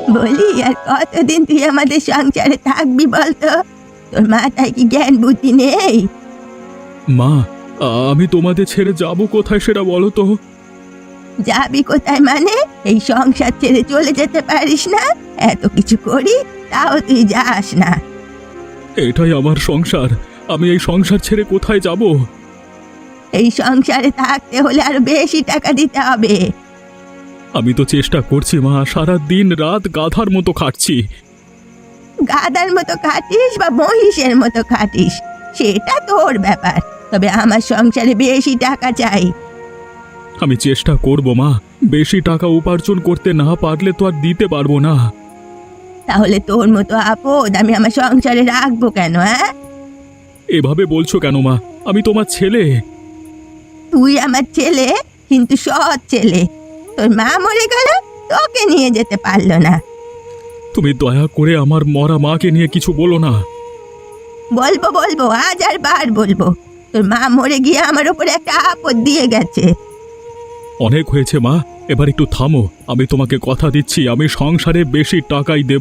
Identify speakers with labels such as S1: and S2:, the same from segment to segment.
S1: বলি আর কতদিন তুই আমাদের সংসারে থাকবি বলতো? তোর মাথায় কি জ্ঞান বুদ্ধি নেই?
S2: মা, আমি তোমাদের ছেড়ে যাব কোথায় সেটা বলো তো।
S1: যাবি কোথায় মানে? এই সংসার ছেড়ে চলে যেতে পারিস না? এত কিছু করি তাও তুই যাস না।
S2: এটাই আমার সংসার, আমি এই সংসার ছেড়ে কোথায় যাব?
S1: এই সংসারে থাকতে হলে আরো বেশি টাকা দিতে হবে।
S2: আমি তো চেষ্টা করছি মা, সারা দিন রাত গাধার মতো খাটছি।
S1: গাধার মতো খাটিস বা মহিষের মতো খাটিস সেটা তোর ব্যাপার, তবে আমার সংসারে বেশি টাকা চাই।
S2: আমি চেষ্টা করব মা, বেশি টাকা উপার্জন করতে না পারলে তো আর দিতে পারবো না।
S1: তাহলে তোর মতো আপদ আমি আমার সংসারে রাখবো কেন? হ্যাঁ,
S2: এভাবে বলছো কেন মা? আমি তোমার ছেলে।
S1: তুই আমার ছেলে, কিন্তু সৎ ছেলে। তোর মা মরে গেল, তোকে নিয়ে যেতে পারলো না।
S2: তুমি দয়া করে আমার মরা মাকে নিয়ে কিছু বলো না।
S1: বলবো বলবো, আজ আর বার বলবো। তোর মা মরে গিয়ে আমার উপরে একটা আপদ দিয়ে গেছে।
S2: অনেক হয়েছে মা, এবার একটু থামো। আমি তোমাকে কথা দিচ্ছি, আমি সংসারে বেশি টাকাই দেব।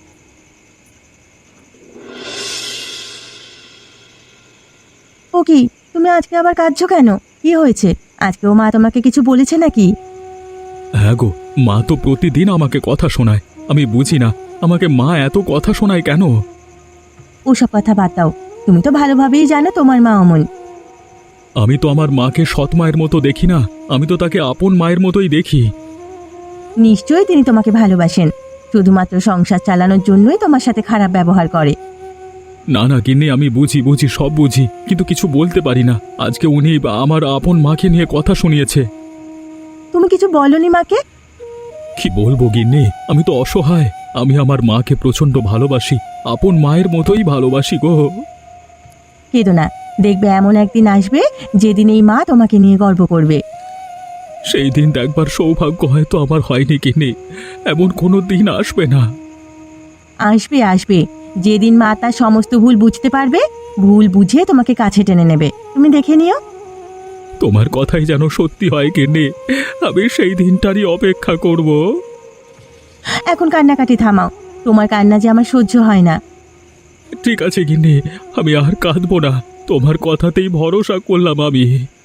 S1: ও কি, তুমি আজকে আবার কাঁদছো কেন? কি হয়েছে? আজকেও মা তোমাকে কিছু বলেছে নাকি?
S2: হ্যাঁ গো, মা তো প্রতিদিন আমাকে কথা শোনায়। আমি বুঝি না, আমাকে মা এত কথা শোনায় কেন?
S1: ওসব কথা বাদ দাও। তুমি তো ভালোভাবেই জানো তোমার মা অমন।
S2: আমি তো আমার মাকে সৎ মায়ের মতো দেখি না, আমি তো তাকে আপন মায়ের মতোই দেখি।
S1: নিশ্চয়ই তিনি তোমাকে ভালোবাসেন, শুধুমাত্র সংসার চালানোর জন্যই তোমার সাথে খারাপ ব্যবহার করে।
S2: না না গিন্নি, আমি বুঝি বুঝি, সব বুঝি, কিন্তু কিছু বলতে পারি না। আজকে উনি আমার আপন মাকে নিয়ে কথা শুনিয়েছে।
S1: তুমি কিছু বলনি মাকে?
S2: কি বলবো গিন্নি, আমি তো অসহায়। আমি আমার মাকে প্রচন্ড ভালোবাসি, আপন মায়ের মতোই ভালোবাসি গো।
S1: কেঁদো না, দেখবে এমন একদিন আসবে যেদিন এই মা তোমাকে নিয়ে গর্ব করবে।
S2: সেই দিন দেখবার সৌভাগ্য হয়তো আমার হয়নি গিন্নি, এমন কোনো দিন আসবে না।
S1: আসবে আসবে, যেদিন মা তার সমস্ত ভুল বুঝতে পারবে, ভুল বুঝে তোমাকে কাছে টেনে নেবে। তুমি দেখে নিও।
S2: তোমার কথাই যেন সত্যি হয় গিন্নি, আমি সেই দিনটারই অপেক্ষা করব।
S1: এখন কান্নাকাটি থামাও, তোমার কান্না যে আমার সহ্য হয় না।
S2: ঠিক আছে গিন্নি, আমি আর কাঁদবো না, তোমার কথাতেই ভরসা করলাম আমি।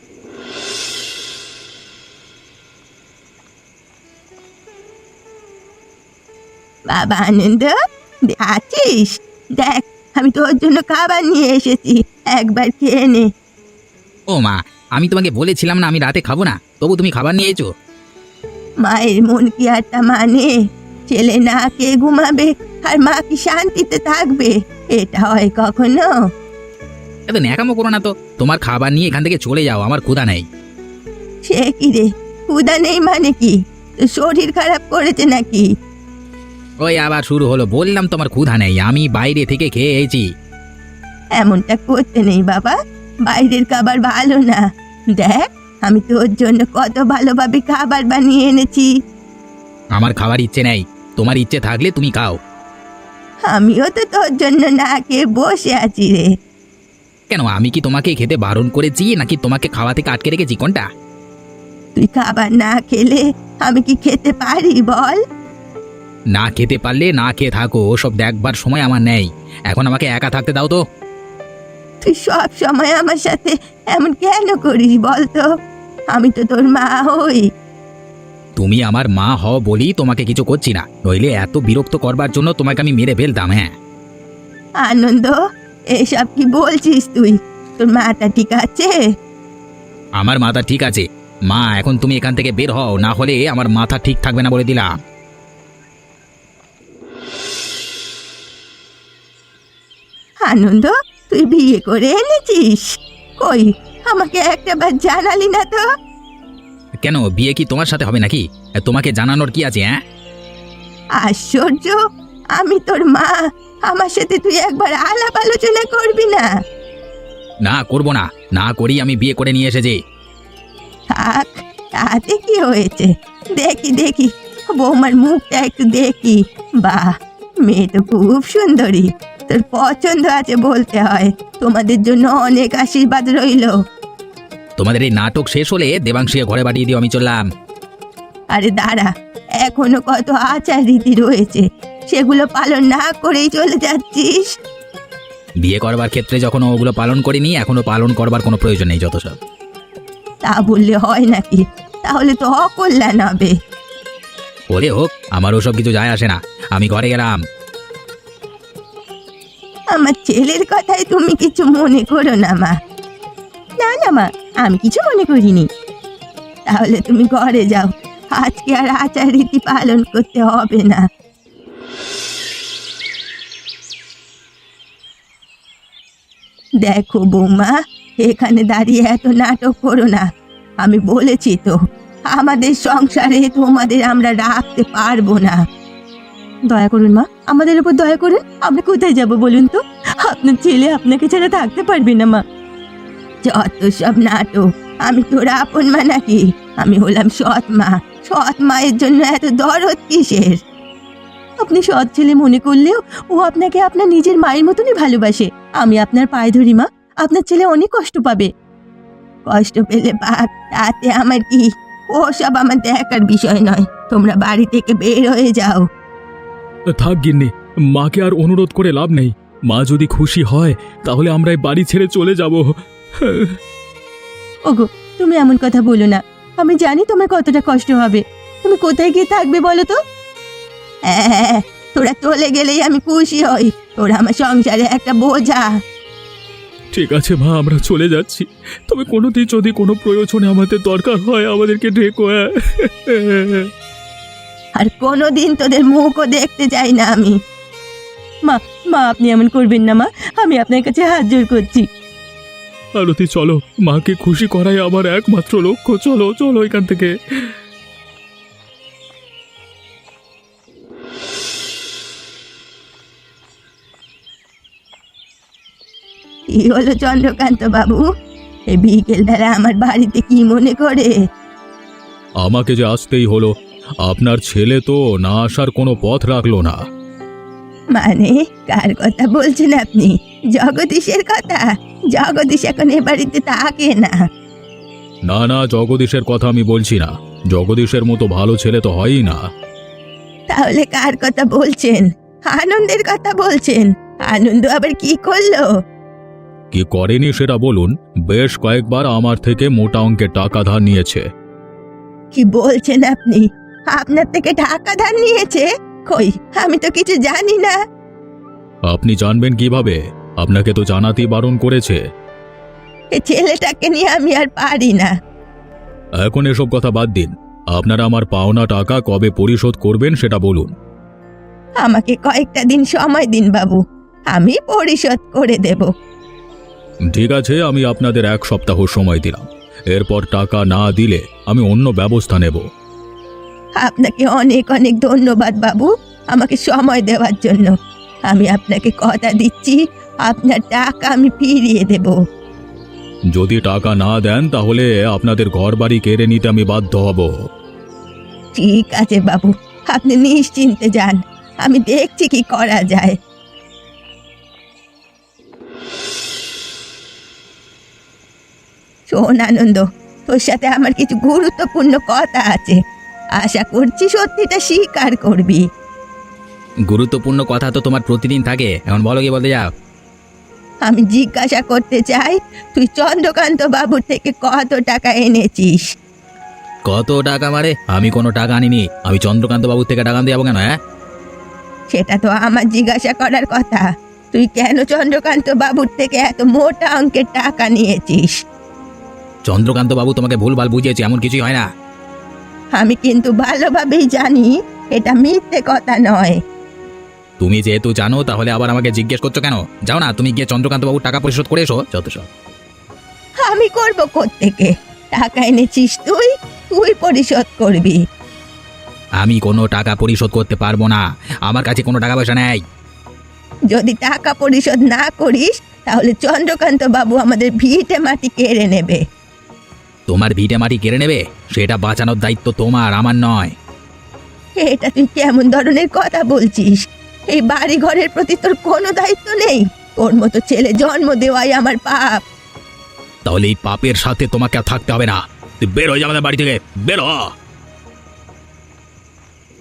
S1: বাবা আনন্দ, আছিস? দেখ, আমি তোর জন্য খাবার নিয়ে এসেছি, একবার খেয়ে নে।
S3: ও মা, আমি তোমাকে বলেছিলাম না আমি রাতে খাবো না, তবু তুমি খাবার নিয়ে এসো।
S1: মায়ের মন কি আর তা মানে? ছেলে না খেয়ে ঘুমাবে আর মা কি শান্তিতে থাকবে? এটা হয় কখনো?
S3: এত ন্যাকামো করো না তো, তোমার খাবার নিয়ে এখান থেকে চলে যাও, আমার ক্ষুধা নেই।
S1: সে কি রে, ক্ষুধা নেই মানে কি? তোর শরীর খারাপ করেছে নাকি?
S3: ওই আবার শুরু হলো, বললাম তোমার ক্ষুধা নেই, আমি বাইরে থেকে খেয়ে এসেছি।
S1: এমনটা করতে নেই বাবা, বাইরের খাবার ভালো না। দেখ, আমি তোর জন্য কত ভালোভাবে খাবার বানিয়ে এনেছি।
S3: আমার খাবার ইচ্ছে নেই, তোমার ইচ্ছে থাকলে তুমি খাও।
S1: আমিও তো তোর জন্য না খেয়ে বসে আছি রে।
S3: কেন, আমি কি তোমাকে খেতে বারণ করেছি নাকি তোমাকে খাওয়া থেকে আটকে রেখেছি, কোনটা?
S1: তুই খাবার না খেলে আমি কি খেতে পারি বল?
S3: না খেতে পারলে না খেয়ে থাকো, ওসব দেখবার সময় আমার নেই। এখন আমাকে একা থাকতে দাও তো।
S1: তুই সব সময় আমার সাথে এমন কেন করিস বলতো? আমি তো তোর মা হই।
S3: তুমি আমার মা হও বলি তোমাকে কিছু করছি না, নইলে এত বিরক্ত করবার জন্য তোমাকে আমি মেরে ফেলতাম। হ্যাঁ
S1: আনন্দ, এসব কি বলছিস তুই? তোর মাটা ঠিক আছে?
S3: আমার মাথা ঠিক আছে মা, এখন তুমি এখান থেকে বের হও, না হলে আমার মাথা ঠিক থাকবে না বলে দিলাম।
S1: আনন্দ, তুই বিয়ে করে এনেছিস? কই, আমাকে একটাবার জানালি না তো?
S3: কেন, বিয়ে কি তোমার সাথে হবে নাকি? তোমাকে জানানোর কি আছে? হ্যাঁ
S1: আশ্চর্য, আমি তোর মা, আমার সাথে তুই একবার আলাপ আলোচনা করবি না?
S3: না করব না, না করি আমি বিয়ে করে নিয়ে এসেছি।
S1: থাক, তাতে কি হয়েছে? দেখি দেখি, বৌমার মুখটা একটু দেখি। বাহ, মেয়ে তো খুব সুন্দরী। তোর পছন্দ আছে বলতে হয়। তোমাদের জন্য অনেক আশীর্বাদ রইল।
S3: তোমাদের এই নাটক শেষ হলে দেবাংশীকে ঘরে পাঠিয়ে দিও, আমি চললাম।
S1: আরে দাঁড়া, এখনো কত আচার রীতি রয়েছে, সেগুলো পালন না করেই চলে যাচ্ছিস।
S3: বিয়ে করবার ক্ষেত্রে যখন ওগুলো পালন করিনি, এখনো পালন করবার কোনো প্রয়োজন নেই, যত সব।
S1: তা বললে হয় নাকি? তাহলে তো অকল্যাণ হবে।
S3: ওরে হোক, আমার ওসব কিছু যায় আসে না, আমি ঘরে গেলাম।
S1: আমার ছেলের কথায় তুমি কিছু মনে করো না মা। না না মা, আমি কিছু মনে করিনি। তাহলে তুমি ঘরে যাও, আজকে আর আচার রীতি পালন করতে হবে না। দেখো বৌমা, এখানে দাঁড়িয়ে এত নাটক করো না। আমি বলেছি তো, আমাদের সংসারে তোমাদের আমরা রাখতে পারবো না। দয়া করুন মা, আমাদের উপর দয়া করুন। আমরা কোথায় যাব বলুন তো? আপনার ছেলে আপনাকে ছাড়া থাকতে পারবে না মা। যত সব নাটক। আমি তোর আপন মা নাকি? আমি হলাম সৎ মা। সৎ মায়ের জন্য এত দরদ কিসের? আপনি সৎ ছেলে মনে করলেও ও আপনাকে আপনার নিজের মায়ের মতনই ভালোবাসে। আমি আপনার পায়ে ধরি মা, আপনার ছেলে অনেক কষ্ট পাবে। কষ্ট পেলে পাক, তাতে আমার কি? ও সব আমার দেখার বিষয় নয়। তোমরা বাড়ি থেকে বের হয়ে যাও।
S2: থাক গিন্নি, মাকে আর অনুরোধ করে লাভ নেই। মা যদি খুশি হয় তাহলে আমরা এই বাড়ি ছেড়ে চলে যাব।
S1: ওগো, তুমি এমন কথা বলো না। আমি জানি তোমার কতটা কষ্ট হবে। তুমি কোথায় গিয়ে থাকবে বলো তো? হ্যাঁ, তোরা চলে গেলেই আমি খুশি হই। তোরা আমার সংসারে একটা বোঝা।
S2: ঠিক আছে মা, আমরা চলে যাচ্ছি। তবে কোনোদিন যদি কোনো প্রয়োজনে আমাদের দরকার হয় আমাদেরকে ডেকো।
S1: আর কোনোদিন তোদের মুখও দেখতে চাই না আমি। মা, মা আপনি এমন করবেন না মা, আমি আপনার কাছে হাত জোড় করছি।
S2: আরতি চলো, মাকে খুশি করাই আমার একমাত্র লক্ষ্য। চলো চলো এখান থেকে।
S1: কি হলো চন্দ্রকান্ত বাবু? এই বিকেল বেলা আমার বাড়িতে কি মনে করে?
S2: আমাকে যে আসতেই হলো, আপনার ছেলে তো না আসার কোনো পথ রাখলো না।
S1: মানে কার কথা বলছেন আপনি? জগদীশের কথা? জগদীশ এখন এ বাড়িতে থাকে না।
S2: না না, জগদীশের কথা আমি বলছি না। জগদীশের মতো ভালো ছেলে তো হয়ই না।
S1: তাহলে কার কথা বলছেন? আনন্দের কথা বলছেন? আনন্দ আবার কি করলো?
S2: কি করেনি সেটা বলুন। বেশ কয়েকবার আমার থেকে মোটা অঙ্কের টাকা ধার নিয়েছে।
S1: কি বলছেন আপনি? আপনার থেকে টাকা ধার নিয়েছে? কই, আমি তো কিছু জানি না।
S2: আপনি জানবেন কিভাবে? আপনাকে তো জানাতেই বারণ করেছে।
S1: এ ছেলেটাকে নিয়ে আমি আর পারি না।
S2: এখন এসব কথা বাদ দিন। আপনারা আমার পাওনা টাকা কবে পরিশোধ করবেন সেটা বলুন।
S1: আমাকে কয়েকটা দিন সময় দিন বাবু, আমি পরিশোধ করে দেব।
S2: ঠিক আছে, আমি আপনাদের 1 সপ্তাহ সময় দিলাম। এরপর টাকা না দিলে আমি অন্য ব্যবস্থা নেব।
S1: আপনাকে অনেক অনেক ধন্যবাদ বাবু, আমাকে সময় দেওয়ার জন্য। আমি আপনাকে কথা দিচ্ছি, আপনার টাকা আমি ফিরিয়ে দেব।
S2: যদি টাকা না দেন তাহলে আপনাদের ঘরবাড়ি কেড়ে নিতে আমি বাধ্য হব।
S1: ঠিক আছে বাবু, আপনি নিশ্চিন্তে যান, আমি দেখছি কি করা যায়। শোন আনন্দ, তোর সাথে আমার কিছু গুরুত্বপূর্ণ কথা আছে। আশা করছি সত্যিটা স্বীকার করবি।
S3: গুরুত্বপূর্ণ কথা তো তোমার প্রতিদিন থাকে, এখন বলো কি বলতে যাও।
S1: আমি জিজ্ঞাসা করতে চাই, তুই চন্দ্রকান্ত বাবুর থেকে কত টাকা এনেছিস?
S3: কত টাকা মারে? আমি কোনো টাকা আনিনি। আমি চন্দ্রকান্ত বাবুর থেকে টাকা আনতে যাবো কেন? হ্যাঁ,
S1: সেটা তো আমার জিজ্ঞাসা করার কথা। তুই কেন চন্দ্রকান্ত বাবুর থেকে এত মোটা অঙ্কের টাকা নিয়েছিস?
S3: চন্দ্রকান্ত বাবু তোমাকে ভুলভাল বুঝিয়েছে, এমন কিছুই হয় না।
S1: আমি কিন্তু ভালোভাবেই জানি এটা মিথ্যে কথা নয়।
S3: তুমি যেহেতু জানো তাহলে আবার আমাকে জিজ্ঞেস করছো কেন? যাও না, তুমি গিয়ে চন্দ্রকান্ত বাবুর টাকা পরিশোধ করে এসো। যত সব।
S1: আমি করব কোত্থেকে? টাকা এনেছিস তুই, তুই পরিশোধ করবি।
S3: আমি কোনো টাকা পরিশোধ করতে পারবো না, আমার কাছে কোনো টাকা পয়সা নেই।
S1: যদি টাকা পরিশোধ না করিস তাহলে চন্দ্রকান্ত বাবু আমাদের ভিটে মাটি কেড়ে নেবে।
S3: তোমার ভিটে মাটি কেড়ে নেবে? সেটা বাঁচানোর দায়িত্ব তোমার, আমার নয়।
S1: এটা তুই কেমন ধরনের কথা বলছিস? এই বাড়ি ঘরের প্রতি তোর কোনো দায়িত্ব নেই? তোর মতো ছেলে জন্ম দেওয়াই আমার পাপ।
S3: তাহলে এই পাপের সাথে তোমাকে আর থাকতে হবে না। তুই বের হয়ে যা আমাদের বাড়ি থেকে, বেরো।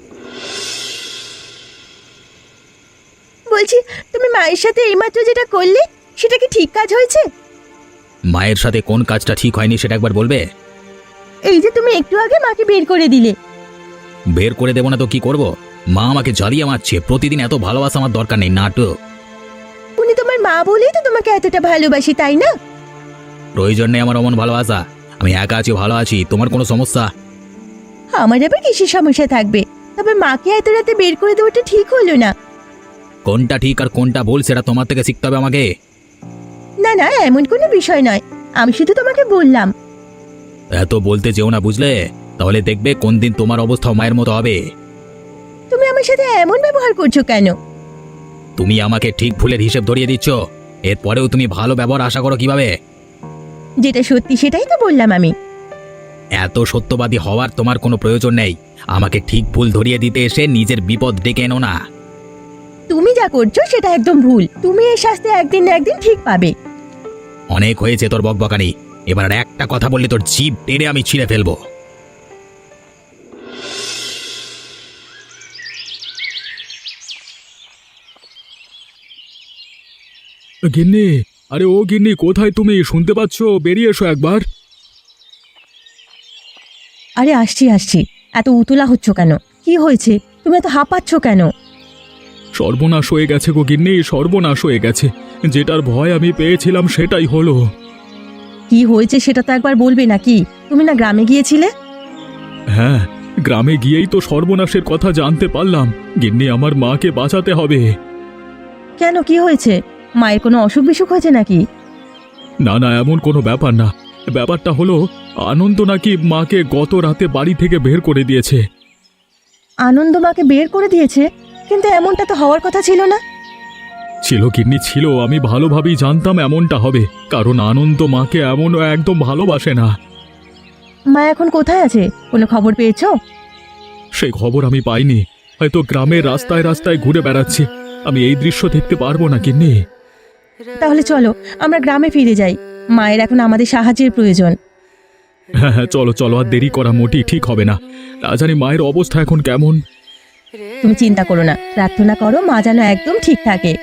S1: বলছি, তুমি মায়ের সাথে এইমাত্র যেটা করলে সেটা কি ঠিক কাজ হয়েছে?
S3: মায়ের সাথে কোন কাজটা ঠিক হয়নি সেটা একবার বলবে?
S1: এই যে তুমি একটু আগে মাকে বের করে দিলে।
S3: বের করে দেবো না তো কি করব? মা আমাকে জ্বালিয়ে মারছে, প্রতিদিন এত ভালোবাসা আমার দরকার নেই, নাটক।
S1: উনি তোমার মা বলেই তো তোমাকে এতটা ভালোবাসি, তাই না?
S3: প্রয়োজন নেই আমার অমন ভালোবাসা। আমি একা আছি, ভালো আছি। তোমার কোনো সমস্যা?
S1: আমার আবার কিসের সমস্যা থাকবে? তবে মাকে এত রাতে বের করে দেওয়াটা ঠিক হলো না।
S3: কোনটা ঠিক আর কোনটা ভুল সেটা তোমার থেকে শিখতে হবে আমাকে।
S1: না না, এমন কোনো বিষয় নয়, আমি শুধু তোমাকে বললাম।
S3: এত বলতে যেও না, বুঝলে? তাহলে দেখবে কোন দিন তোমার অবস্থা মায়ের মতো হবে।
S1: তুমি আমার সাথে এমন ব্যবহার করছো কেন?
S3: তুমি আমাকে ঠিক ভুলের হিসেব ধরিয়ে দিচ্ছ, এরপরেও তুমি ভালো ব্যবহার আশা করো কিভাবে?
S1: যেটা সত্যি সেটাই তো বললাম আমি।
S3: এত সত্যবাদী হওয়ার তোমার কোনো প্রয়োজন নেই। আমাকে ঠিক ভুল ধরিয়ে দিতে এসে নিজের বিপদ ডেকে এনো না।
S1: তুমি যা করছো সেটা একদম ভুল। তুমি এর শাস্তি একদিন না একদিন ঠিক পাবে।
S3: অনেক হয়েছে তোর বকবকানি। এবার আর একটা কথা বললে তোর জিভ টেনে আমি ছিঁড়ে ফেলবো।
S2: গিন্নি, আরে ও গিন্নি, কোথায় তুমি? শুনতে পাচ্ছ? বেরিয়ে এসো একবার।
S1: আরে আসছি আসছি, এত উতলা হচ্ছ কেন? কি হয়েছে? তুমি এত হাঁপাচ্ছ কেন?
S2: সর্বনাশ হয়ে গেছে গো গিন্নি, সর্বনাশ হয়ে গেছে। যেটার ভয় আমি পেয়েছিলাম সেটাই হলো।
S1: কি হয়েছে সেটা তো একবার বলবে নাকি? তুমি না গ্রামে গিয়েছিলে?
S2: হ্যাঁ, গ্রামে গিয়েই তো সর্বনাশের কথা জানতে পারলাম। গিন্নি, আমার মাকে বাঁচাতে হবে।
S1: কেন, কি হয়েছে? মায়ের কোনো অসুখ বিসুখ হয়েছে নাকি?
S2: না না, এমন কোনো ব্যাপার না। ব্যাপারটা হলো, আনন্দ নাকি মাকে গত রাতে বাড়ি থেকে বের করে দিয়েছে।
S1: আনন্দ মাকে বের করে দিয়েছে? কিন্তু এমনটা তো হওয়ার কথা ছিল না।
S2: ছিল গিন্নি, ছিল। আমি ভালোভাবেই জানতাম এমনটা হবে, কারণ আনন্দ মাকে এমন একদম ভালোবাসে না।
S1: মা এখন কোথায় আছে? কোনো খবর পেয়েছো?
S2: সেই খবর আমি পাইনি। হয়তো গ্রামের রাস্তায় রাস্তায় ঘুরে বেড়াচ্ছে। আমি এই দৃশ্য দেখতে পারবো না গিন্নি।
S1: তাহলে চলো আমরা গ্রামে ফিরে যাই। মায়ের এখন আমাদের সাহায্যের প্রয়োজন।
S2: হ্যাঁ হ্যাঁ, চলো চলো, আর দেরি করা মোটেই ঠিক হবে না। না জানি মায়ের অবস্থা এখন কেমন।
S1: তুমি চিন্তা করো না, প্রার্থনা করো মা যেন একদম ঠিক থাকে।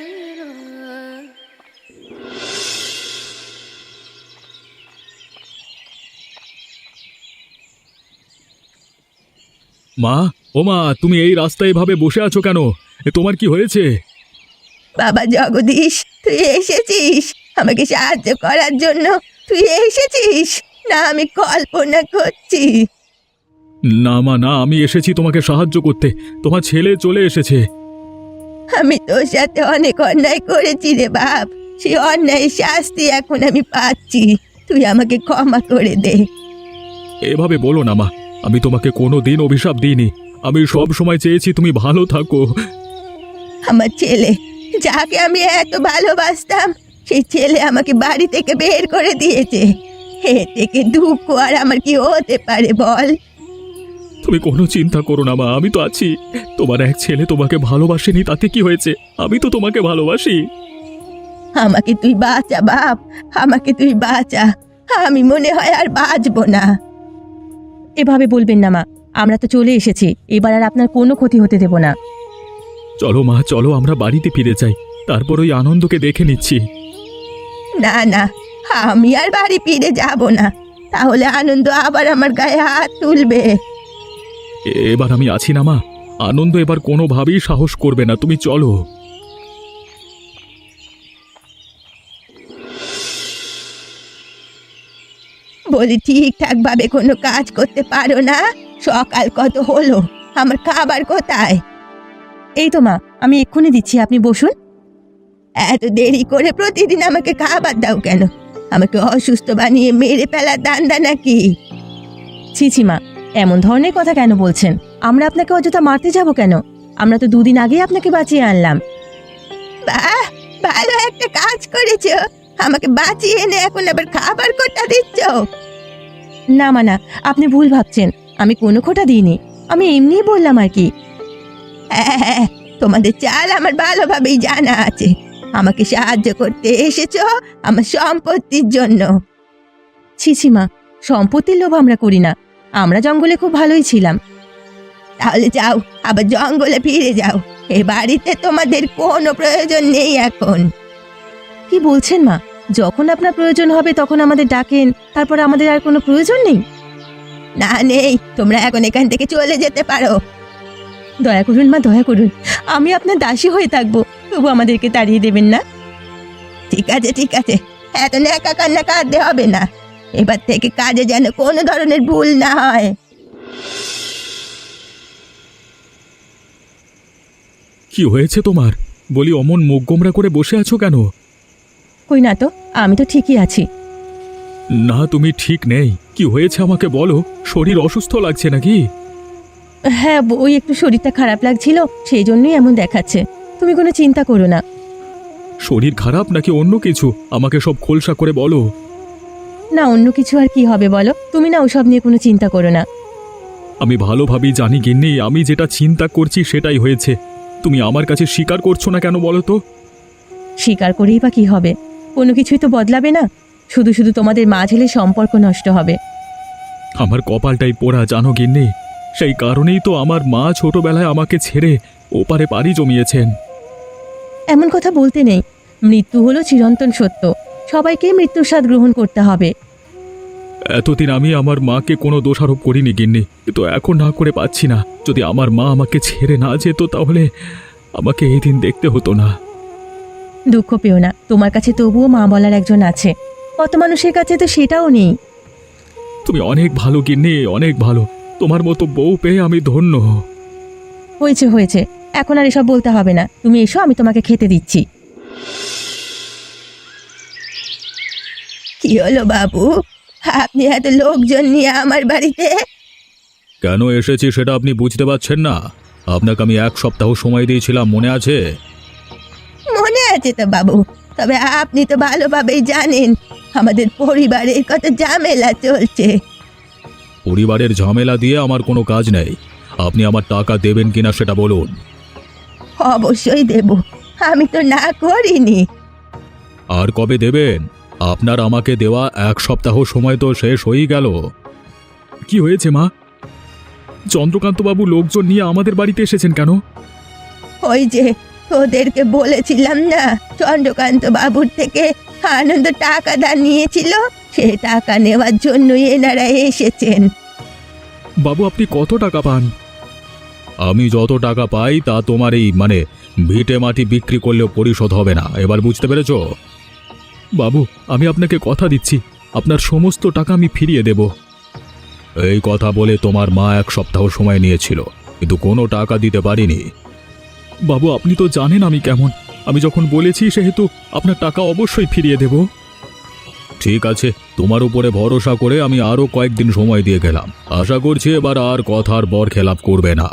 S2: মা, ও মা, তুমি এই রাস্তায় এভাবে বসে আছো কেন? তোমার কি হয়েছে?
S1: বাবা জগদীশ, তুই এসেছিস আমাকে সাহায্য করার জন্য? তুই এসেছিস? না আমি কল্পনা করছি?
S2: না মা, না, আমি এসেছি তোমাকে সাহায্য করতে। তোমার ছেলে চলে এসেছে।
S1: আমি তোর সাথে অনেক অন্যায় করেছি রে বাপ। সেই অন্যায়ের শাস্তি এখন আমি পাচ্ছি। তুই আমাকে ক্ষমা করে দে।
S2: এভাবে বলো না মা, আমি তোমাকে কোনো দিন অভিশাপ দিইনি। আমি সব সময় চেয়েছি তুমি ভালো থাকো।
S1: আমার ছেলে, যাকে আমি এত ভালোবাসতাম, সেই ছেলে আমাকে বাড়ি থেকে বের করে দিয়েছে। এ থেকে দুঃখ আর আমার কি হতে পারে বল?
S2: তুমি কোনো চিন্তা করো না মা, আমি তো আছি। তোমার এক ছেলে তোমাকে ভালোবাসেনি তাতে কি হয়েছে? আমি তো তোমাকে ভালোবাসি।
S1: আমাকে তুই বাঁচা বাপ, আমাকে তুই বাঁচা। আমি মনে হয় আর বাঁচবো না। এভাবে বলবেন না মা, আমরা তো চলে এসেছি, এবার আর আপনার কোনো ক্ষতি হতে দেব না।
S2: চলো মা, চলো আমরা বাড়িতে ফিরে যাই। তারপর ওই আনন্দকে দেখে নিচ্ছি।
S1: না না, আমি আর বাড়ি ফিরে যাব না। তাহলে আনন্দ আবার আমার গায়ে হাত তুলবে।
S2: এবার আমি আছি না মা, আনন্দ এবার কোনোভাবেই সাহস করবে না। তুমি চলো।
S1: বলি ঠিকঠাক ভাবে কোনো কাজ করতে পারো না? সকাল কত হলো, আমার খাবার কোথায়? এই তো মা, আমি এক্ষুনি দিচ্ছি, আপনি বসুন। এত দেরি করে প্রতিদিন আমাকে খাবার দাও কেন? আমাকে অসুস্থ বানিয়ে মেরে ফেলার ধান্দা নাকি? ছি ছি মা, এমন ধরনের কথা কেন বলছেন? আমরা আপনাকে অযথা মারতে যাব কেন? আমরা তো দুদিন আগেই আপনাকে বাঁচিয়ে আনলাম। বাহ, ভালো একটা কাজ করেছো। আমাকে বাঁচিয়ে এনে এখন আবার খাবার কোটা দিচ্ছ? না মা না, আপনি ভুল ভাবছেন। আমি কোনো খোটা দিইনি, আমি এমনিই বললাম আর কি। হ্যাঁ, তোমাদের চাল আমার ভালোভাবেই জানা আছে। আমাকে সাহায্য করতে এসেছো আমার সম্পত্তির জন্য। ছি ছি মা, সম্পত্তির লোভ আমরা করি না। আমরা জঙ্গলে খুব ভালোই ছিলাম। তাহলে যাও, আবার জঙ্গলে ফিরে যাও। এ বাড়িতে তোমাদের কোনো প্রয়োজন নেই এখন। কি বলছেন মা? যখন আপনার প্রয়োজন হবে তখন আমাদের ডাকেন, তারপর আমাদের আর কোনো প্রয়োজন নেই? না নেই, তোমরা এখন এখান থেকে চলে যেতে পারো। দয়া করুন মা, দয়া করুন, আমি আপনার দাসী হয়ে থাকবো, তবু আমাদেরকে তাড়িয়ে দেবেন না। ঠিক আছে ঠিক আছে, এত একা কান্না কাঁদতে হবে না। এবার থেকে কাজে যেন কোনো ধরনের ভুল না হয়।
S2: কি হয়েছে তোমার? বলি, অমন মুখ গোমরা করে বসে আছো কেন?
S1: কই না তো, আমি তো ঠিকই আছি।
S2: না, তুমি ঠিক নেই। কি হয়েছে আমাকে বলো। শরীর অসুস্থ লাগছে নাকি?
S1: হ্যাঁ, ওই একটু শরীরটা খারাপ লাগছিল, সেই জন্যই এমন দেখাচ্ছে। তুমি কোনো চিন্তা করো না।
S2: শরীর খারাপ নাকি অন্য কিছু? আমাকে সব খোলসা করে বলো।
S1: না, অন্য কিছু আর কি হবে বলো, তুমি না ওসব নিয়ে কোনো চিন্তা করো না।
S2: আমি ভালোভাবেই জানি গিন্নি, আমি যেটা চিন্তা করছি সেটাই হয়েছে। তুমি আমার কাছে স্বীকার করছো না কেন বলো তো?
S1: স্বীকার করেই বা কি হবে? কোনো কিছুই তো বদলাবে না, শুধু শুধু তোমাদের মা ছেলের সম্পর্ক নষ্ট হবে।
S2: আমার কপালটাই পোড়া জানো গিন্নি। সেই কারণেই তো আমার মা ছোটবেলায় আমাকে ছেড়ে ওপারে পাড়ি জমিয়েছেন।
S1: এমন কথা বলতে নেই, মৃত্যু হলো চিরন্তন সত্য, সবাইকে মৃত্যুর স্বাদ গ্রহণ করতে হবে।
S2: এতদিন আমি আমার মাকে কোনো দোষারোপ করিনি গিন্নি, কিন্তু এখন না করে পাচ্ছি না। যদি আমার মা আমাকে ছেড়ে না যেত তাহলে আমাকে এই দিন দেখতে হতো না।
S1: দুঃখ পেও না, তোমার কাছে তবুও মা বলার একজন আছে। কত মানুষের কাছে তো সেটাও নেই।
S2: তুমি অনেক ভালো গিন্নি, অনেক ভালো। তোমার মতো বউ পেয়ে আমি ধন্য।
S1: হয়েছে হয়েছে, এখন আর এসব বলতে হবে না। তুমি এসো, আমি তোমাকে খেতে দিচ্ছি। কি হলো বাবু, আপনি এত লোকজন নিয়ে আমার বাড়িতে?
S2: কেন এসেছি সেটা আপনি বুঝতে পারছেন না? আপনাকে আমি 1 সপ্তাহ সময় দিয়েছিলাম, মনে আছে?
S1: মনে আছে তো বাবু, তবে আপনি তো ভালোভাবেই জানেন আমাদের পরিবারের কত ঝামেলা চলছে।
S2: পরিবারের ঝামেলা দিয়ে আমার কোনো কাজ নেই। আপনি আমার টাকা দেবেন কিনা সেটা বলুন।
S1: অবশ্যই দেব, আমি তো না করিনি।
S2: আর কবে দেবেন? আপনার আমাকে দেওয়া 1 সপ্তাহ সময় তো শেষ হয়েই গেল। কি হয়েছে মা? চন্দ্রকান্তবাবু লোকজন নিয়ে আমাদের বাড়িতে এসেছেন কেন?
S1: ওই যে তোদেরকে বলেছিলাম না, চন্দ্রকান্ত বাবুর থেকে আনন্দ টাকা ধার নিয়েছিল, সে টাকা নেওয়ার জন্যই এনারা এসেছেন।
S2: বাবু, আপনি কত টাকা পান? আমি যত টাকা পাই তা তোমার এই ভিটে মাটি বিক্রি করলেও পরিশোধ হবে না। এবার বুঝতে পেরেছো? বাবু, আমি আপনাকে কথা দিচ্ছি, আপনার সমস্ত টাকা আমি ফিরিয়ে দেব। এই কথা বলে তোমার মা 1 সপ্তাহ সময় নিয়েছিল, কিন্তু কোনো টাকা দিতে পারিনি। বাবু, আপনি তো জানেন আমি কেমন। আমি যখন বলেছি সেহেতু আপনার টাকা অবশ্যই ফিরিয়ে দেব। ঠিক আছে, তোমার উপরে ভরসা করে আমি আরো কয়েকদিন সময় দিয়ে গেলাম। আশা করছি এবার আর কথার বরখেলাপ করবে না।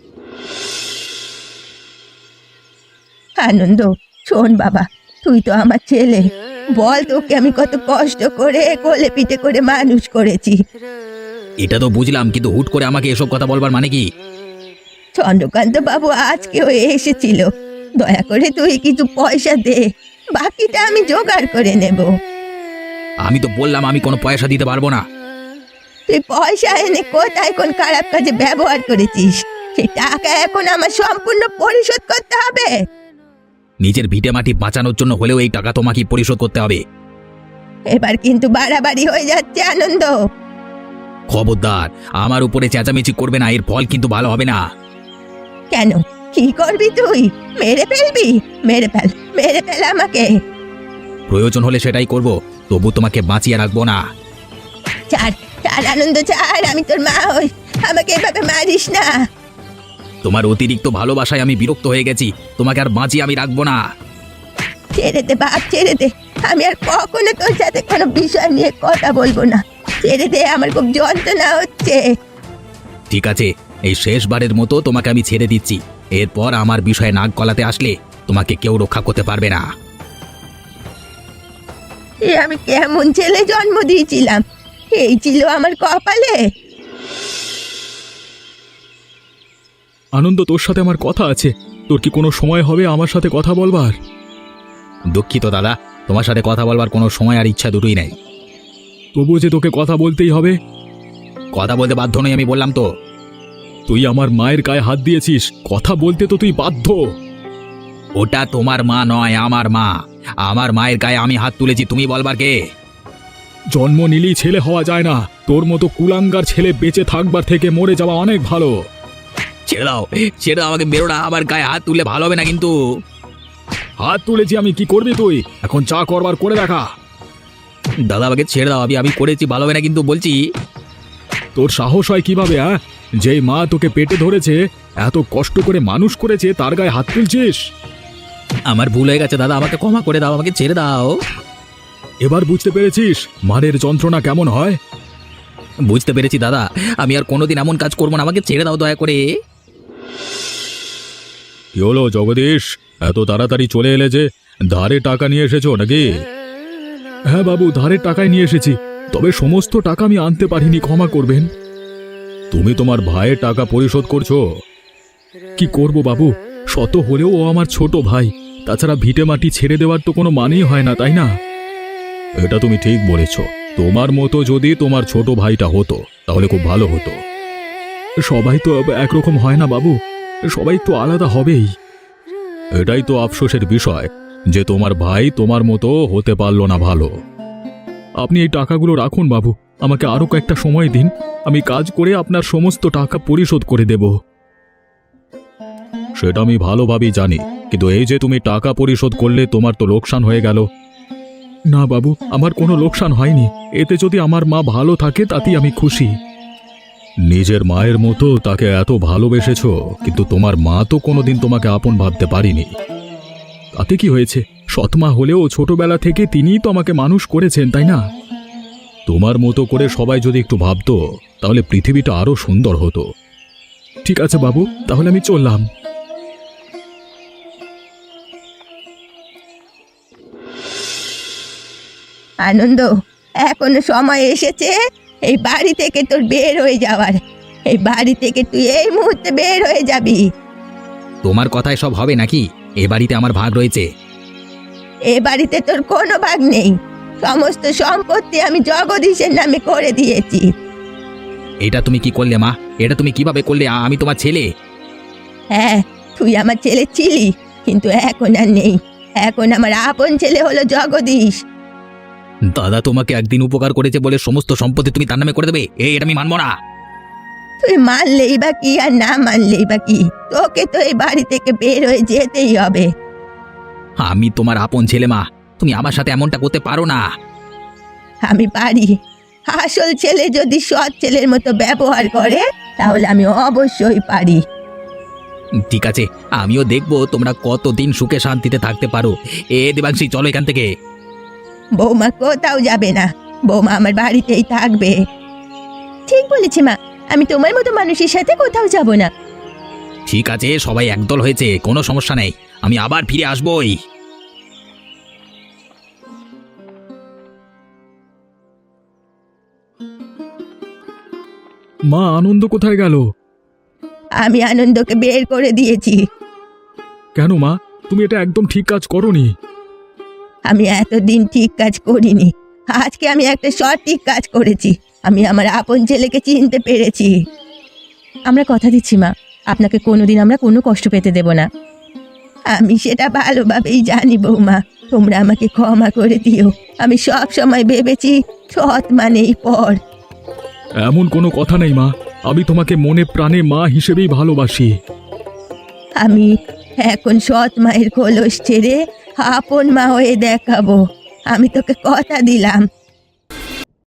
S1: আনন্দ, শোন বাবা, তুই তো আমার ছেলে, বল তোকে আমি কত কষ্ট করে কোলে পিঠে করে মানুষ করেছি।
S3: এটা তো বুঝলাম, কিন্তু হুট করে আমাকে এসব কথা বলবার মানে কি?
S1: চন্দ্রকান্ত বাবু আজকেও এসেছিল, দয়া করে তুই কিছু পয়সা দে, বাকিটা আমি জোগাড় করে নেব।
S3: আমি তো বললাম আমি কোনো পয়সা দিতে পারবো না।
S1: তুই পয়সা এনে কোথায় কোন খারাপ কাজে ব্যবহার করেছিস, সেই টাকা এখন আমার সম্পূর্ণ পরিশোধ করতে হবে।
S3: নিজের ভিটে মাটি বাঁচানোর জন্য হলেও এই টাকা তোমাকে পরিশোধ করতে হবে।
S1: এবার কিন্তু বাড়াবাড়ি হয়ে যাচ্ছে আনন্দ।
S3: খবরদার, আমার উপরে চেঁচামেচি করবে না, এর ফল কিন্তু ভালো হবে না।
S1: কেন, কি করবি তুই? মেরে ফেলবি? মেরে ফেল, মেরে ফেল আমাকে।
S3: প্রয়োজন হলে সেটাই করব, তবু তোমাকে বাঁচিয়ে রাখবো না।
S1: ছাড় ছাড় আনন্দ, ছাড়, আমি তোর মা হই, আমাকে এভাবে মারিস না।
S3: তোমার অতিরিক্ত ভালোবাসায় আমি বিরক্ত হয়ে গেছি, তোমাকে আর বাঁচিয়ে আমি রাখবো না।
S1: ছেড়ে দে বাপ, ছেড়ে দে, আমি আর কখনো তোর সাথে কোনো বিষয় নিয়ে কথা বলবো না। ছেড়ে দে, আমার খুব যন্ত্রণা হচ্ছে।
S3: ঠিক আছে, এই শেষবারের মতো তোমাকে আমি ছেড়ে দিচ্ছি। এরপর আমার বিষয়ে নাক গলাতে আসলে তোমাকে কেউ রক্ষা করতে পারবে না।
S1: এ আমি কেমন ছেলে জন্ম দিয়েছিলাম, এই ছিল আমার কপালে।
S2: আনন্দ, তোর সাথে আমার কথা আছে। তোর কি কোনো সময় হবে আমার সাথে কথা বলবার?
S3: দুঃখিত দাদা, তোমার সাথে কথা বলবার কোনো সময় আর ইচ্ছা দুটোই নেই।
S2: তবুও যে তোকে কথা বলতেই হবে।
S3: কথা বলতে বাধ্য নই, আমি বললাম তো।
S2: তুই আমার মায়ের গায়ে হাত দিয়েছিস, কথা বলতে তো তুই বাধ্য।
S3: ওটা তোমার মা নয়, আমার মা। আমার মায়ের গায়ে আমি হাত তুলেছি, তুমি বলবার কে?
S2: জন্ম নিলেই ছেলে হওয়া যায় না। তোর মতো কুলাঙ্গার ছেলে বেঁচে থাকবার থেকে মরে যাওয়া অনেক ভালো।
S3: ছেড়ে দাও, ছেড়ে দাও আমাকে, বেরো না। আমার গায়ে হাত তুললে ভালো হবে না কিন্তু।
S2: হাত তুলেছি আমি, কি করবি তুই? এখন চা করবার করে দেখা।
S3: দাদা আমাকে ছেড়ে দাও, আমি করেছি, ভালো হবে না কিন্তু বলছি।
S2: তোর সাহস হয় কিভাবে? যেই মা তোকে পেটে ধরেছে, এত কষ্ট করে মানুষ করেছে, তার গায়ে হাত তুলছিস?
S3: আমার ভুল হয়ে গেছে দাদা, আমাকে ক্ষমা করে দাও, আমাকে ছেড়ে দাও।
S2: এবার বুঝতে পেরেছিস মারের যন্ত্রণা কেমন হয়?
S3: বুঝতে পেরেছি দাদা, আমি আর কোনোদিন এমন কাজ করবো না, আমাকে ছেড়ে দাও দয়া করে।
S2: কি হলো জগদীশ, এত তাড়াতাড়ি চলে এলে যে? ধারে টাকা নিয়ে এসেছো নাকি? হ্যাঁ বাবু, ধারের টাকায় নিয়ে এসেছি, তবে সমস্ত টাকা আমি আনতে পারিনি, ক্ষমা করবেন। তুমি তোমার ভাইয়ের টাকা পরিশোধ করছো? কি করব বাবু, শত হলেও ও আমার ছোট ভাই, তাছাড়া ভিটে মাটি ছেড়ে দেওয়ার তো কোনো মানেই হয় না, তাই না? এটা তুমি ঠিক বলেছ। তোমার মতো যদি তোমার ছোট ভাইটা হতো তাহলে খুব ভালো হতো। সবাই তো একরকম হয় না বাবু, সবাই তো আলাদা হবেই। এটাই তো আফসোসের বিষয় যে তোমার ভাই তোমার মতো হতে পারল না ভালো। আপনি এই টাকাগুলো রাখুন বাবু, আমাকে আরো কয়েকটা সময় দিন, আমি কাজ করে আপনার সমস্ত টাকা পরিশোধ করে দেব। সেটা আমি ভালোভাবেই জানি, কিন্তু এই যে তুমি টাকা পরিশোধ করলে, তোমার তো লোকসান হয়ে গেল। না বাবু, আমার কোনো লোকসান হয়নি, এতে যদি আমার মা ভালো থাকে তাতেই আমি খুশি। নিজের মায়ের মতো তাকে এত ভালোবেসেছো, কিন্তু তোমার মা তো কোনোদিন তোমাকে আপন ভাবতে পারিনি। তাতে কি হয়েছে? সৎমা হলেও ছোটবেলা থেকে তিনিই তো আমাকে মানুষ করেছেন, তাই না? তোমার মতো করে সবাই যদি একটু ভাবতো তাহলে পৃথিবীটা আরো সুন্দর হতো। ঠিক আছে বাবু, তাহলে আমি চললাম।
S1: আনন্দ, এখনো সময় এসেছে এই বাড়ি থেকে তোর বের হয়ে যাওয়ার। এই বাড়ি থেকে তুই এই মুহূর্তে বের হয়ে যাবি।
S3: তোমার কথায় সব হবে নাকি? এ বাড়িতে আমার ভাগ রয়েছে।
S1: এ বাড়িতে তোর কোনো ভাগ নেই, সমস্ত সম্পত্তি আমি জগদীশের নামে করে দিয়েছি।
S3: এটা তুমি কি করলে মা? এটা তুমি কিভাবে করলে? আমি তোমার ছেলে।
S1: হ্যাঁ, তুই আমার ছেলে ছিলি, কিন্তু এখন আর নেই। এখন আমার আপন ছেলে হলো জগদীশ।
S3: দাদা তোমাকে একদিন উপকার করেছে বলে সমস্ত সম্পত্তি তুমি তার নামে করে দেবে? এটা আমি মানবো না।
S1: তুই মানলেই বা কি আর না মানলেই বা কি, তোকে তো এই বাড়ি থেকে বের হয়ে যেতেই হবে।
S3: আমি তোমার আপন ছেলে মা, তুমি আমার সাথে এমনটা করতে পারো না।
S1: আমি পারি। আসল ছেলে যদি সৎ ছেলের মতো ব্যবহার করে তাহলে আমি অবশ্যই পারি।
S3: ঠিক আছে, আমিও দেখবো তোমরা কতদিন সুখে শান্তিতে থাকতে পারো। দেবাংশী, চলো এখান থেকে।
S1: বৌমা কোথাও যাবে না, বৌমা আমার বাড়িতেই থাকবে। ঠিক বলেছি মা, আমি তোমার মতো মানুষের সাথে কোথাও যাব না।
S3: ঠিক আছে, সবাই একদল হয়েছে, কোনো সমস্যা নেই, আমি আবার ফিরে আসবোই।
S2: মা, আনন্দ কোথায় গেল?
S1: আমি আনন্দকে বের করে দিয়েছি।
S2: কেন মা, তুমি এটা একদম ঠিক কাজ করোনি।
S1: আমি এতদিন ঠিক কাজ করিনি, আজকে আমি একটা সঠিক কাজ করেছি। আমি আমার আপন ছেলেকে চিনতে পেরেছি। আমরা কথা দিচ্ছি মা, আপনাকে কোনোদিন আমরা কোনো কষ্ট পেতে দেব না। আমি সেটা ভালোভাবেই জানি বৌমা, তোমরা আমাকে ক্ষমা করে দিও। আমি সব সময় ভেবেছি সৎ মানেই পর।
S2: এমন কোনো কথা নেই মা, আমি তোমাকে মনে প্রাণে মা হিসেবেই ভালোবাসি।
S1: আমি এখন সৎ মায়ের খোলস ছেড়ে আপন মা হয়ে দেখাবো। আমি তোকে কথা দিলাম,